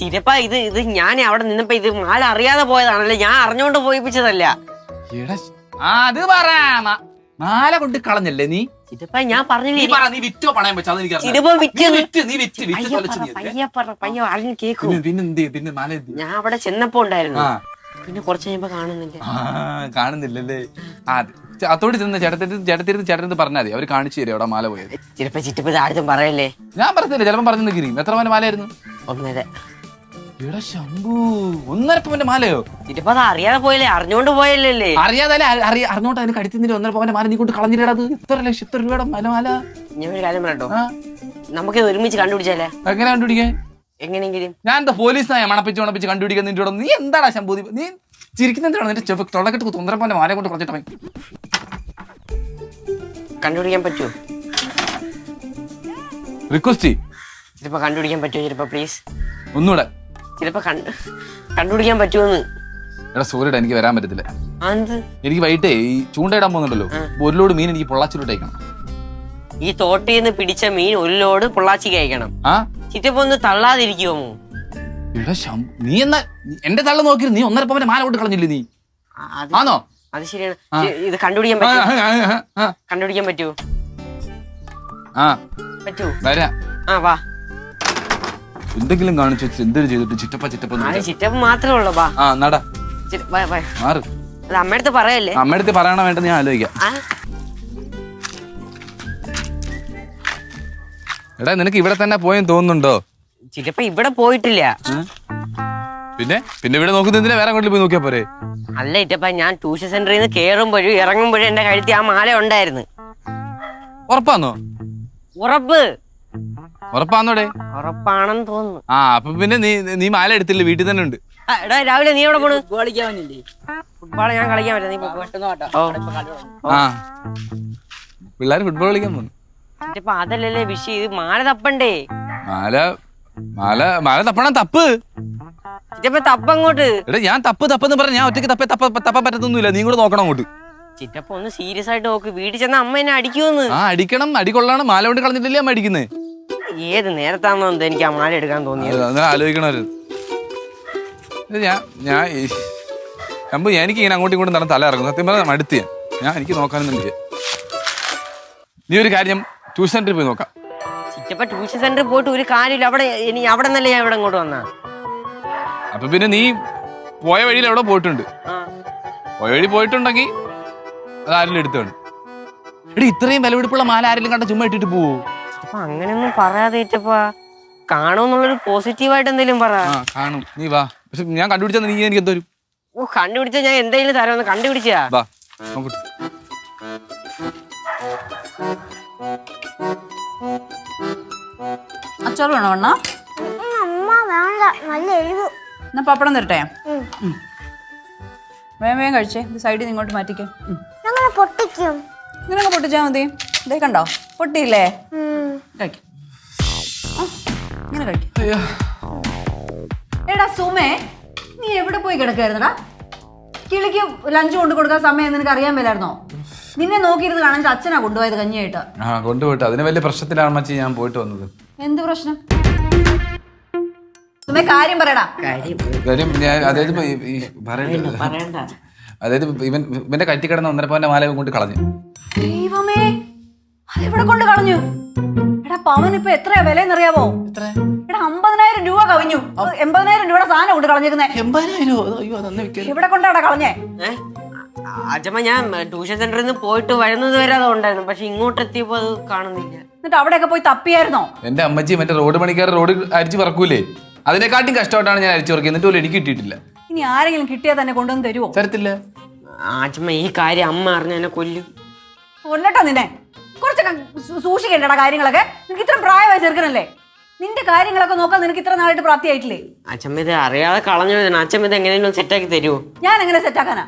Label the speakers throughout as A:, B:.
A: ചിലപ്പോ ഇത് ഞാൻ അവിടെ നിന്നപ്പോ ഇത് മാല അറിയാതെ പോയതാണല്ലേ, ഞാൻ അറിഞ്ഞോണ്ട് പോയിപ്പിച്ചതല്ല.
B: അത് പറ, മാല കൊണ്ട് കളഞ്ഞല്ലേ നീ?
A: ചിലപ്പോ ഞാൻ പറഞ്ഞില്ലേ
B: നീ വിറ്റോ പണയം വെച്ചാ പിന്നെ മാല
A: ഞാൻ അവിടെ ചെന്നപ്പോ ഉണ്ടായിരുന്നു, പിന്നെ കുറച്ച് കഴിയുമ്പോ
B: കാണുന്നില്ലല്ലേ? അതോട് ചെന്ന് ചേട്ടത്തിരുന്ന് പറഞ്ഞാൽ മതി, അവര് കാണിച്ചു തരും അവിടെ മാല പോയത്.
A: ചിലപ്പോ ചിറ്റപ്പ ആരും പറയല്ലേ.
B: ഞാൻ പറഞ്ഞില്ല, ചിലപ്പോ പറഞ്ഞു നിൽക്കും. എത്ര പവന്റെ മാലയായിരുന്നു?
A: 1.5.
B: ശംഭു, 1.5 പവന്റെ മാലയോ?
A: ചിറ്റപ്പ അത് അറിയാതെ പോയല്ലേ, അറിഞ്ഞോണ്ട് പോയല്ലേ?
B: അറിയാതെ അറിഞ്ഞോട്ട് അതിന് കടിച്ചിട്ട് 1.5 പവന്റെ മാല നീ കൊണ്ട് കളഞ്ഞില്ലത്. എത്ര ലക്ഷം, എത്ര രൂപയുടെ മാല?
A: ഞാൻ ഒരു കാര്യം പറയട്ടോ, നമുക്കിത് ഒരുമിച്ച് കണ്ടുപിടിച്ചാലേ?
B: എങ്ങനെ കണ്ടുപിടിക്കാൻ?
A: എങ്ങനെയെങ്കിലും
B: ഞാൻ എന്താ പോലീസിനായ മണപ്പിച്ച് കണ്ടുപിടിക്കാൻ നിന്റെ കൂടെ? നീ എന്താടാ ശംഭു, നീ ചിരിക്കുന്ന എന്താണ്? നിന്റെ തൊള്ളക്കെട്ട് 1.5 പവന്റെ മാല കൊണ്ട് കളഞ്ഞിട്ട്
A: കണ്ടുപിടിക്കാൻ പറ്റുമോ?
B: റിക്വസ്റ്റ്
A: ചിലപ്പോ കണ്ടുപിടിക്കാൻ പറ്റുമോ? ചിലപ്പോ പ്ലീസ്
B: ഒന്നുകൂടെ.
A: ചിലപ്പോ കണ്ടുപിടിക്കാൻ പറ്റുമോന്ന്.
B: എടാ സോറിടാ, എനിക്ക് വരാൻ പറ്റത്തില്ല. എനിക്ക് വൈകിട്ടേ ഈ ചൂണ്ടയിടാൻ പോകുന്നുണ്ടല്ലോ, 1 ലോഡ് മീൻ എനിക്ക് പൊള്ളാച്ചിലോട്ട് അയക്കണം.
A: ഈ തോട്ടിൽ നിന്ന് പിടിച്ച മീൻ 1 ലോഡ് പൊള്ളാച്ചിക്ക് അയക്കണം. ചിറ്റപ്പോ ഒന്ന് തള്ളാതിരിക്കുമോ?
B: നീ എന്നാ എന്റെ തള്ള നോക്കി നീ 1.5 പവന്റെ മാല കൊണ്ട് കളഞ്ഞില്ലേ നീ? ആണോ?
A: അത് ശരിയാണ്. ഇത് കണ്ടുപിടിക്കാൻ പറ്റുമോ? പറ്റൂ.
B: വരാം.
A: വാ.
B: എന്തെങ്കിലും കാണിച്ചു എന്തൊരു ചെയ്തിട്ട്
A: ചിറ്റപ്പ മാത്രമേ ഉള്ളൂ. വാ
B: നട
A: മാറ്. അത് അമ്മയടുത്ത് പറയല്ലേ?
B: അമ്മയടുത്ത് പറയണ വേണ്ടെന്ന് ഞാൻ ആലോചിക്കാം. എടാ നിനക്ക് ഇവിടെ തന്നെ പോയെന്ന് തോന്നുന്നുണ്ടോ?
A: ചിറ്റപ്പ ഇവിടെ പോയിട്ടില്ല.
B: പിന്നെ ഇവിടെ നോക്കുന്നതിന് വേറെ അങ്ങോട്ട് പോയി നോക്കിയാ പോരെ?
A: അല്ല ഇറ്റപ്പ, ഞാൻ ട്യൂഷൻ സെന്ററിൽ നിന്ന് കേറുമ്പോഴും ഇറങ്ങുമ്പോഴും എന്റെ കഴുത്തി ആ മാല ഉണ്ടായിരുന്നു.
B: ഉറപ്പാന്നോ? ഉറപ്പാന്നോടെ?
A: ഉറപ്പാണെന്ന് തോന്നുന്നു.
B: അപ്പൊ പിന്നെ നീ മാല എടുത്തില്ല, വീട്ടിൽ തന്നെ ഉണ്ട്.
A: എടാ രാവിലെ നീ എവിടെ പോണു? ഫുട്ബോൾ ഞാൻ കളിക്കാൻ പറ്റില്ല.
B: പിള്ളേര് ഫുട്ബോൾ കളിക്കാൻ പോകുന്നു.
A: ഇപ്പൊ അതല്ലല്ലേ വിഷയം, ഇത് മാല തപ്പണ്ടേ?
B: മാല തപ്പണം. തപ്പ്
A: തപ്പങ്ങോട്ട്.
B: എടാ ഞാൻ തപ്പെന്ന് പറഞ്ഞ ഞാൻ ഒറ്റയ്ക്ക് തപ്പാൻ പറ്റത്തൊന്നുമില്ല, നീ കൂടെ നോക്കണം അങ്ങോട്ട്.
A: ചിറ്റപ്പ ഒന്ന് സീരിയസ് ആയിട്ട് നോക്ക്, വീട്ടിൽ ചെന്ന അമ്മ എന്നെ അടിക്കുമെന്ന്.
B: അടിക്കണം, അടികൊള്ളാണ്. മാല കൊണ്ട് കളഞ്ഞിട്ടില്ലേ അമ്മ അടിക്കുന്നത്?
A: ഏത് നേരത്താണോ എനിക്ക് ആ മാല എടുക്കാൻ തോന്നിയത്?
B: അങ്ങനെ ആലോചിക്കണമായിരുന്നു. എനിക്ക് ഇങ്ങനെ അങ്ങോട്ടും ഇങ്ങോട്ടും തല ഇറങ്ങും. സത്യം പറഞ്ഞാൽ മടുത്ത് ഞാൻ എനിക്ക് നോക്കാനൊന്നും. നീ ഒരു കാര്യം, ട്യൂഷൻ സെന്ററിൽ പോയി നോക്കാം.
A: ചിറ്റപ്പ ട്യൂഷൻ സെന്ററിൽ പോയിട്ട് ഒരു കാര്യമില്ല. അവിടെ നിന്നല്ലേ ഞാൻ ഇവിടെ ഇങ്ങോട്ട് വന്നാ.
B: അപ്പൊ പിന്നെ നീ പോയ വഴിയിൽ എവിടെ പോയിട്ടുണ്ട്? പോയ വഴി പോയിട്ടുണ്ടെങ്കിൽ അത് ആരെങ്കിലും എടുത്തോണ്ട്. എടി ഇത്രയും വിലപിടിപ്പുള്ള മാല ആരെങ്കിലും കണ്ട ചുമ്മാ ഇട്ടിട്ട് പോവോ?
A: അങ്ങനെയൊന്നും പറയാതെ കാണുമെന്നുള്ളൊരു പോസിറ്റീവായിട്ട് എന്തെങ്കിലും പറ.
B: കാണും, നീ വാ. പക്ഷെ ഞാൻ കണ്ടുപിടിച്ചാൽ നീ എനിക്ക് എന്തോരും
A: കണ്ടുപിടിച്ചാ ഞാൻ എന്തെങ്കിലും തരാമെന്ന്. കണ്ടുപിടിച്ചാ
B: വാ നോക്കട്ടെ.
C: അച്ചാറ് വേണോ അണ്ണാ? എന്നാ പപ്പടം തരട്ടെ? വേഗം കഴിച്ചേ. ഇത് സൈഡിൽ നിന്ന് ഇങ്ങോട്ട് മാറ്റിക്കേ. ഇങ്ങനെ പൊട്ടിച്ചാ മതി. ഇതേ കണ്ടോ, പൊട്ടിയില്ലേ? കഴിക്കും, ഇങ്ങനെ കഴിക്കും. എടാ സുമേ, നീ എവിടെ പോയി കിടക്കായിരുന്നടാ? കിളിക്ക് ലഞ്ച് കൊണ്ട് കൊടുക്കാൻ സമയം നിനക്ക് അറിയാൻ മേലായിരുന്നോ? നിന്നെ നോക്കിയിരുന്ന് കാണാൻ അച്ഛനാ കൊണ്ടുപോയത് കഞ്ഞിയായിട്ട്.
B: കൊണ്ടുപോയിട്ട് അതിന് വലിയ പ്രശ്നത്തിലാണ് മച്ചി ഞാൻ പോയിട്ട് വന്നത്.
C: എന്ത് പ്രശ്നം? സുമേ കാര്യം പറയടാ.
B: അതായത് ഇവന്റെ കറ്റി കിടന്ന 1.5 പവന്റെ മാല കൊണ്ട് കളഞ്ഞു.
C: ദൈവമേ, അതെവിടെ കൊണ്ട് കളഞ്ഞു? എടാ പവൻ ഇപ്പൊ എത്രയാ വിലയെന്നറിയാവോ? എടാ 50,000 രൂപ കവിഞ്ഞു. 80,000 രൂപയുടെ സാധനം കൊണ്ട് കളഞ്ഞേക്കുന്നേ.
B: 80,000?
C: ഇവിടെ കൊണ്ടാടാ കളഞ്ഞേ?
A: അച്ഛമ്മ, ഞാൻ ട്യൂഷൻ സെന്ററിൽ നിന്ന് പോയിട്ട് വരുന്നത് വരെ അത് ഉണ്ടായിരുന്നു, പക്ഷെ ഇങ്ങോട്ട് എത്തിയപ്പോ അത് കാണുന്നില്ല.
C: എന്നിട്ട് അവിടെയൊക്കെ പോയി തപ്പിയായിരുന്നോ?
B: എന്റെ അമ്മച്ചി മറ്റേ റോഡ് പണിക്കാർ റോഡ് അരിച്ചു പറക്കൂലേ, അതിനെക്കാട്ടും കഷ്ടമായിട്ടാണ് ഞാൻ അരിച്ചു പറക്കുക. എന്നിട്ട് പോലും എനിക്ക് കിട്ടിയിട്ടില്ല.
C: ഇനി ആരെങ്കിലും കിട്ടിയാൽ തന്നെ കൊണ്ടുവന്ന് തരുമോ?
B: തരത്തില്ല.
A: അച്ഛമ്മ, ഈ കാര്യം അമ്മ അറിഞ്ഞ എന്നെ കൊല്ലും.
C: കൊല്ലട്ടോ നിന്നെ. കുറച്ചൊക്കെ സൂക്ഷിക്കേണ്ടടാ കാര്യങ്ങളൊക്കെ. നിനക്ക് ഇത്ര പ്രായമായി ചെറുക്കനല്ലേ? നിന്റെ കാര്യങ്ങളൊക്കെ നോക്കാൻ നിനക്ക് ഇത്ര നാളായിട്ട് പ്രാപ്തിയായിട്ടില്ലേ?
A: അച്ഛമ്മ, ഇത് അറിയാതെ കളഞ്ഞു. അച്ഛമ്മ ഇത് എങ്ങനെയും സെറ്റാക്കി തരുമോ?
C: ഞാൻ എങ്ങനെ സെറ്റാക്കാനാ?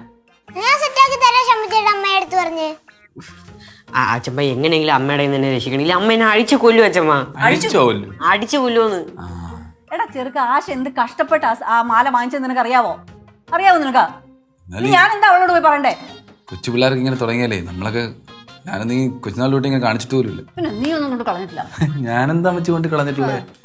A: അച്ഛമ്മ, എങ്ങനെയെങ്കിലും അമ്മയുടെ തന്നെ രക്ഷിക്കണില്ല. അമ്മ എന്നെ അടിച്ചു കൊല്ലും. അച്ഛമ്മ അടിച്ചു കൊല്ലുമെന്ന്.
C: എടാ ചെറുക്ക, ആശ എന്ത് കഷ്ടപ്പെട്ട ആ മാല വാങ്ങിച്ചത് നിനക്ക് അറിയാവോ? നിനക്ക്? ഞാൻ എന്താ അവളോട് പോയി പറയണ്ടേ?
B: കൊച്ചു പിള്ളേർക്ക് ഇങ്ങനെ തുടങ്ങിയാലേ നമ്മളൊക്കെ, ഞാനൊന്നും ഈ കൊച്ചുനാൾ തൊട്ട് ഇങ്ങനെ കാണിച്ചിട്ട് പോലും ഇല്ല.
C: പിന്നെ നീ ഒന്നും കൊണ്ട് കളഞ്ഞിട്ടില്ല.
B: ഞാനെന്താ അമ്മച്ചി കൊണ്ട് കളഞ്ഞിട്ടുള്ളത്?